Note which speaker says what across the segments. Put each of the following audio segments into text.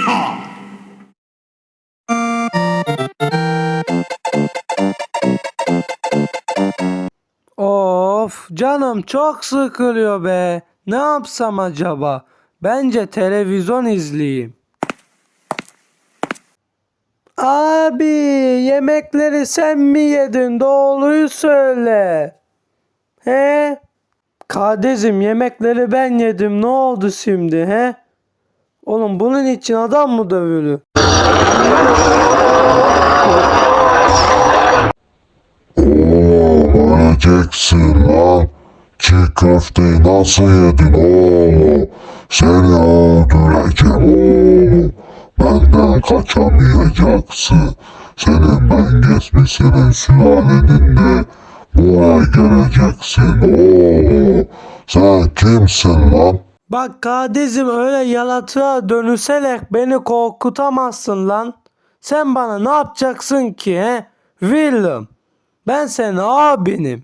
Speaker 1: Of, canım çok sıkılıyor be. Ne yapsam acaba? Bence televizyon izleyeyim. Abi, yemekleri sen mi yedin? Doğruyu söyle. He? Kardeşim, yemekleri ben yedim. Ne oldu şimdi he? Oğlum, bunun için adam mı dövülür?
Speaker 2: Oğlum öleceksin lan. Çiğ köfteyi nasıl yedin oğlum? Seni öldüreceğim oğlum. Benden kaçamayacaksın. Senin ben geçmişinin sülalinin de buraya geleceksin oğlum. Sen kimsin lan?
Speaker 1: Bak kardeşim, öyle yaratığa dönüşerek beni korkutamazsın lan. Sen bana ne yapacaksın ki he? Willem. Ben senin abinim.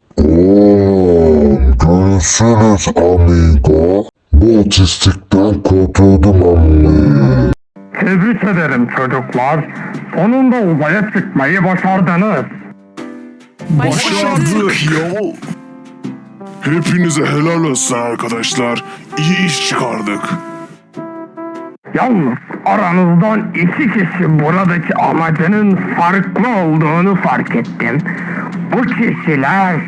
Speaker 2: Oğlum görüşürüz amigo. Bu otistikten kurtuldum amigo.
Speaker 3: Tebrik ederim çocuklar. Sonunda uzaya çıkmayı başardınız.
Speaker 4: Başardık ya. Hepinize helal olsun arkadaşlar. İyi iş çıkardık.
Speaker 3: Yalnız aranızdan 2 kişi buradaki amacının farklı olduğunu fark ettim. Bu kişiler...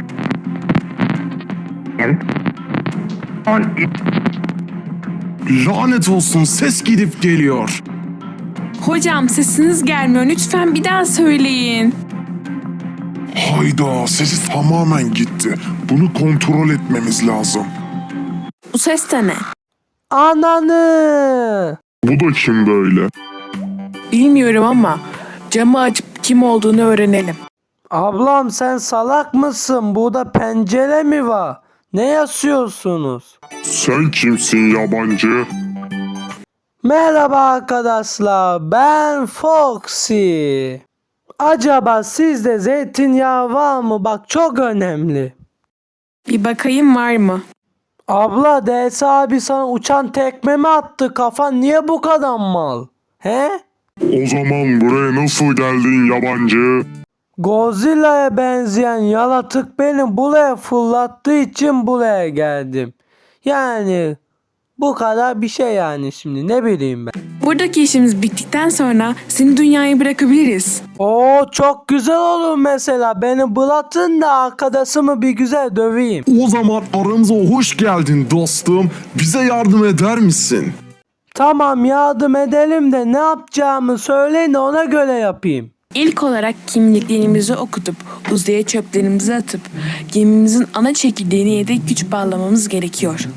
Speaker 4: Lanet olsun, ses gidip geliyor.
Speaker 5: Hocam sesiniz gelmiyor. Lütfen bir daha söyleyin.
Speaker 4: Hayda, sesi tamamen gitti. Bunu kontrol etmemiz lazım.
Speaker 5: Bu ses de ne?
Speaker 1: Ananı.
Speaker 4: Bu da kim böyle?
Speaker 5: Bilmiyorum ama camı açıp kim olduğunu öğrenelim.
Speaker 1: Ablam, sen salak mısın? Burada pencere mi var? Ne yazıyorsunuz?
Speaker 4: Sen kimsin yabancı?
Speaker 1: Merhaba arkadaşlar, ben Foxy. Acaba sizde zeytinyağı var mı? Bak, çok önemli.
Speaker 5: Bir bakayım var mı?
Speaker 1: Abla, DS abi sana uçan tekme mi attı? Kafan niye bu kadar mal? He?
Speaker 4: O zaman buraya nasıl geldin yabancı?
Speaker 1: Godzilla'ya benzeyen yaratık beni buraya fırlattığı için buraya geldim. Yani bu kadar bir şey yani, şimdi ne bileyim ben.
Speaker 5: Buradaki işimiz bittikten sonra seni dünyaya bırakabiliriz.
Speaker 1: Oo, çok güzel olur mesela. Beni bırakın da arkadaşımı bir güzel döveyim.
Speaker 4: O zaman aramıza hoş geldin dostum. Bize yardım eder misin?
Speaker 1: Tamam, yardım edelim de ne yapacağımı söyleyin de ona göre yapayım.
Speaker 5: İlk olarak kimliklerimizi okutup uzaya çöplerimizi atıp gemimizin ana çekirdeğine yedek güç bağlamamız gerekiyor.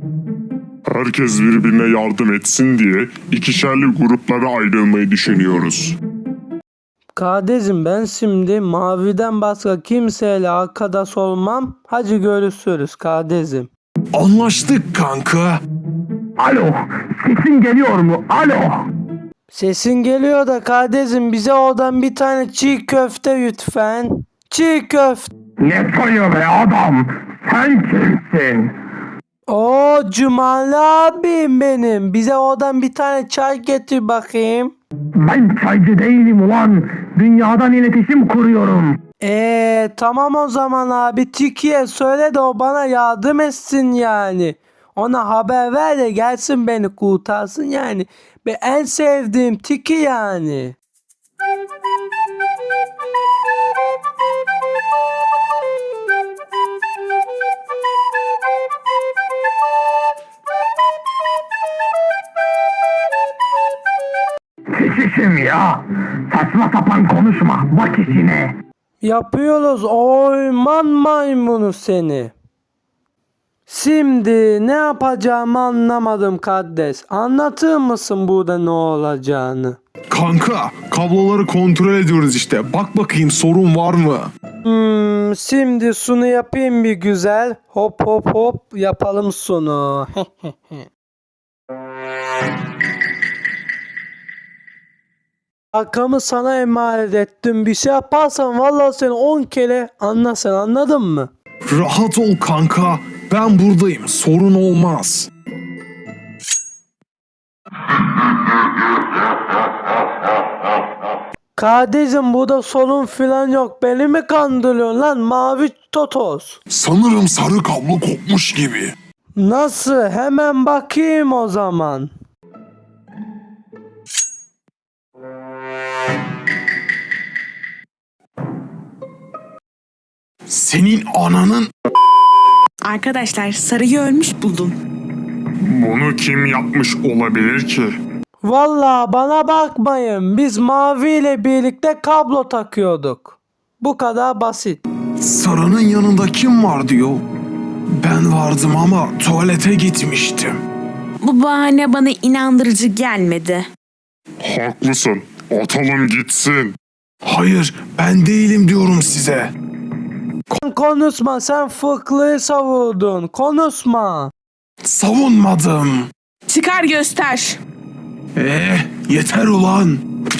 Speaker 4: Herkes birbirine yardım etsin diye ikişerli gruplara ayrılmayı düşünüyoruz.
Speaker 1: Kardeşim, ben şimdi Mavi'den başka kimseyle arkadaş olmam. Hadi görüşürüz kardeşim.
Speaker 4: Anlaştık kanka.
Speaker 3: Alo, sesin geliyor mu? Alo.
Speaker 1: Sesin geliyor da kardeşim, bize oradan bir tane çiğ köfte lütfen. Çiğ köfte.
Speaker 3: Ne soruyor be adam? Sen kimsin?
Speaker 1: Oo, Cumali abim benim. Bize oradan bir tane çay getir bakayım.
Speaker 3: Ben çaycı değilim ulan. Dünyadan iletişim kuruyorum.
Speaker 1: Tamam o zaman abi, Tiki'ye söyle de o bana yardım etsin yani. Ona haber ver de gelsin beni kurtarsın yani. En sevdiğim Tiki yani.
Speaker 3: Şişim ya. Saçma sapan konuşma. Bak işine.
Speaker 1: Yapıyoruz oyman maymunu seni. Şimdi ne yapacağımı anlamadım kardeş. Anlatır mısın burada ne olacağını?
Speaker 4: Kanka, kabloları kontrol ediyoruz işte. Bak bakayım sorun var mı?
Speaker 1: Şimdi sunu yapayım bir güzel. Hop hop hop yapalım sunu. Arkamı sana emanet ettim. Bir şey yaparsan vallahi seni 10 kere anlasın, anladın mı?
Speaker 4: Rahat ol kanka. Ben buradayım. Sorun olmaz.
Speaker 1: Kardeşim burada sorun filan yok. Beni mi kandırıyorsun lan mavi totoz?
Speaker 4: Sanırım sarı kablo kopmuş gibi.
Speaker 1: Nasıl? Hemen bakayım o zaman.
Speaker 4: Senin ananın...
Speaker 5: Arkadaşlar sarıyı ölmüş buldum.
Speaker 4: Bunu kim yapmış olabilir ki?
Speaker 1: Vallahi bana bakmayın. Biz mavi ile birlikte kablo takıyorduk. Bu kadar basit.
Speaker 6: Sarının yanında kim var diyor. Ben vardım ama tuvalete gitmiştim.
Speaker 5: Bu bahane bana inandırıcı gelmedi.
Speaker 4: Haklısın. Atalım gitsin.
Speaker 6: Hayır, ben değilim diyorum size.
Speaker 1: Konuşma, sen fıklıyı savurdun. Konuşma.
Speaker 6: Savunmadım.
Speaker 5: Çıkar göster.
Speaker 6: Yeter ulan.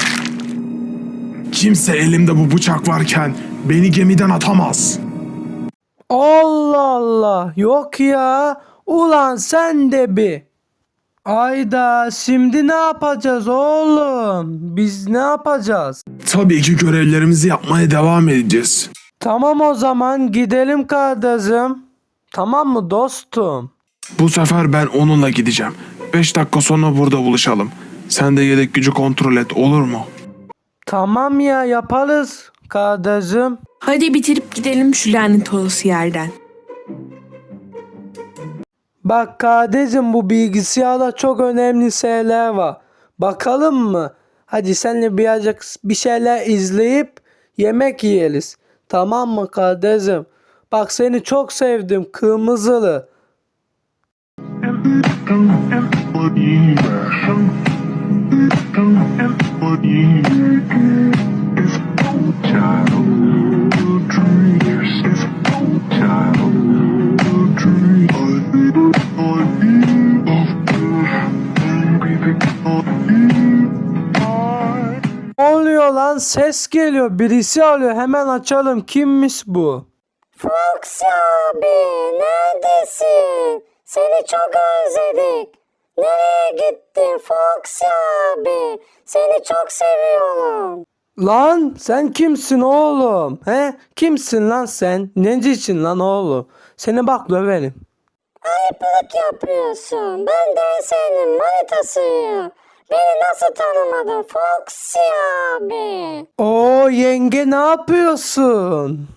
Speaker 6: Kimse elimde bu bıçak varken beni gemiden atamaz.
Speaker 1: Allah Allah. Yok ya. Ulan sen de bir. Ayda şimdi ne yapacağız oğlum? Biz ne yapacağız?
Speaker 6: Tabii ki görevlerimizi yapmaya devam edeceğiz.
Speaker 1: Tamam o zaman gidelim kardeşim. Tamam mı dostum?
Speaker 6: Bu sefer ben onunla gideceğim. 5 dakika sonra burada buluşalım. Sen de yedek gücü kontrol et, olur mu?
Speaker 1: Tamam ya, yaparız kardeşim.
Speaker 5: Hadi bitirip gidelim şu lanet olası yerden.
Speaker 1: Bak kardeşim, bu bilgisayarda çok önemli şeyler var. Bakalım mı? Hadi seninle birazcık bir şeyler izleyip yemek yiyeriz. Tamam mı kardeşim? Bak seni çok sevdim kırmızılı. Ne oluyor lan? Ses geliyor. Birisi arıyor. Hemen açalım. Kimmiş bu?
Speaker 7: Fox abi neredesin? Seni çok özledik. Nereye gittin Fox abi? Seni çok seviyorum.
Speaker 1: Lan sen kimsin oğlum? He? Kimsin lan sen? Necisin lan oğlum? Seni bak döverim.
Speaker 7: Ayıplık yapıyorsun. Ben de senin manitasıyım. Beni nasıl tanımadın Fox abi?
Speaker 1: Oo yenge, ne yapıyorsun?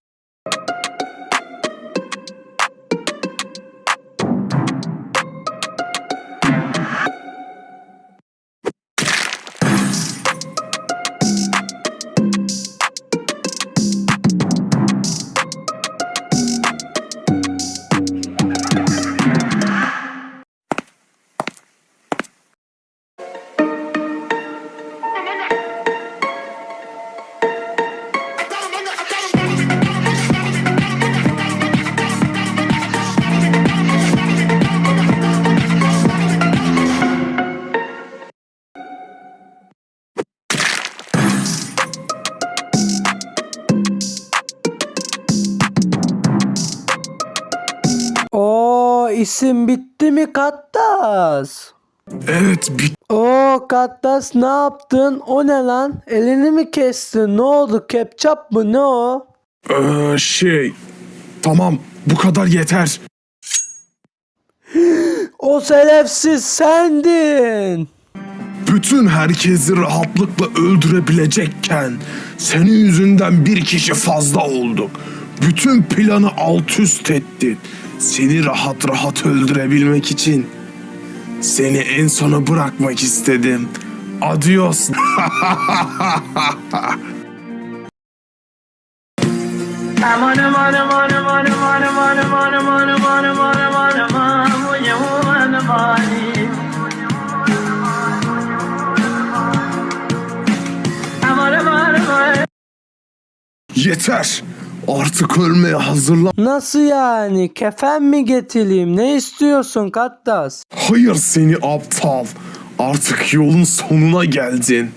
Speaker 1: Oo isim bitti mi Kattas?
Speaker 6: Evet,
Speaker 1: Oo Kattas, ne yaptın? O ne lan? Elini mi kestin? Ne oldu? Ketçap mı? Ne o?
Speaker 6: Tamam, bu kadar yeter.
Speaker 1: O şerefsiz sendin.
Speaker 6: Bütün herkesi rahatlıkla öldürebilecekken senin yüzünden bir kişi fazla olduk. Bütün planı alt üst ettin. Seni rahat rahat öldürebilmek için seni en sona bırakmak istedim. Adios. Yeter. Artık ölmeye hazırlan.
Speaker 1: Nasıl yani? Kefen mi getireyim? Ne istiyorsun Kattas?
Speaker 6: Hayır seni aptal. Artık yolun sonuna geldin.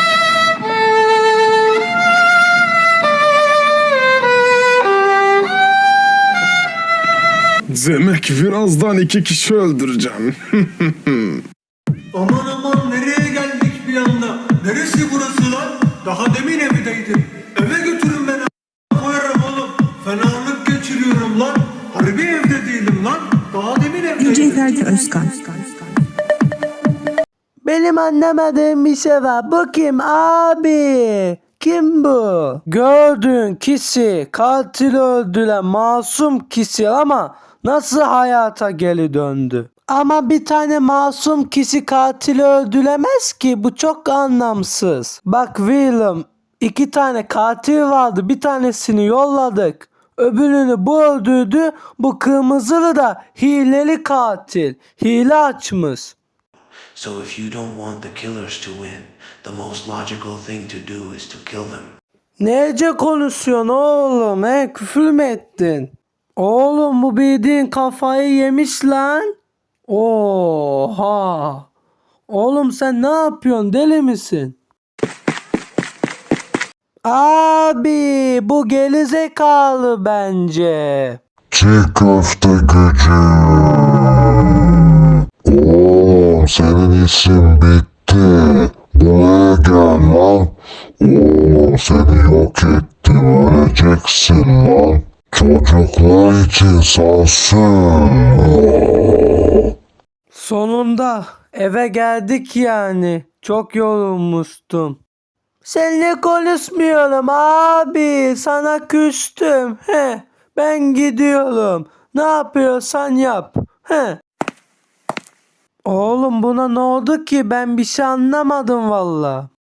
Speaker 6: Demek birazdan 2 kişi öldüreceğim.
Speaker 8: Aman aman nereye geldik bir anda? Neresi burası lan? Daha demin evdeydim. Eve götürün beni koyarım oğlum. Fenalık geçiriyorum lan. Harbi evde değilim lan. Daha demin evdeydim.
Speaker 9: DJ Ferdi Özkan.
Speaker 1: Benim anlamadığım bir şey var. Bu kim abi? Kim bu? Gördüğün kişi katili öldüren masum kişi ama nasıl hayata geri döndü? Ama bir tane masum kişi katili öldüremez ki. Bu çok anlamsız. Bak Willem, 2 tane katil vardı. Bir tanesini yolladık. Öbürünü bu öldürdü. Bu kırmızılı da hileli katil. Hile açmış.
Speaker 10: So if you don't want the killers to win, the most logical thing to do is to kill them.
Speaker 1: Nece konuşuyorsun oğlum? Küfür mü ettin? Oğlum bu bildiğin kafayı yemiş lan. Oha. Oğlum sen ne yapıyorsun? Deli misin? Abi bu gerizekalı bence.
Speaker 2: Çiğ köfte gücü. Oğlum senin işin bitti. Buraya gel lan. Oğlum seni yok ettim, öleceksin lan. Çocuklar için sansın.
Speaker 1: Sonunda eve geldik yani. Çok yorulmuştum. Seninle konuşmuyorum abi. Sana küstüm. Ben gidiyorum. Ne yapıyorsan yap. Oğlum buna ne oldu ki? Ben bir şey anlamadım valla.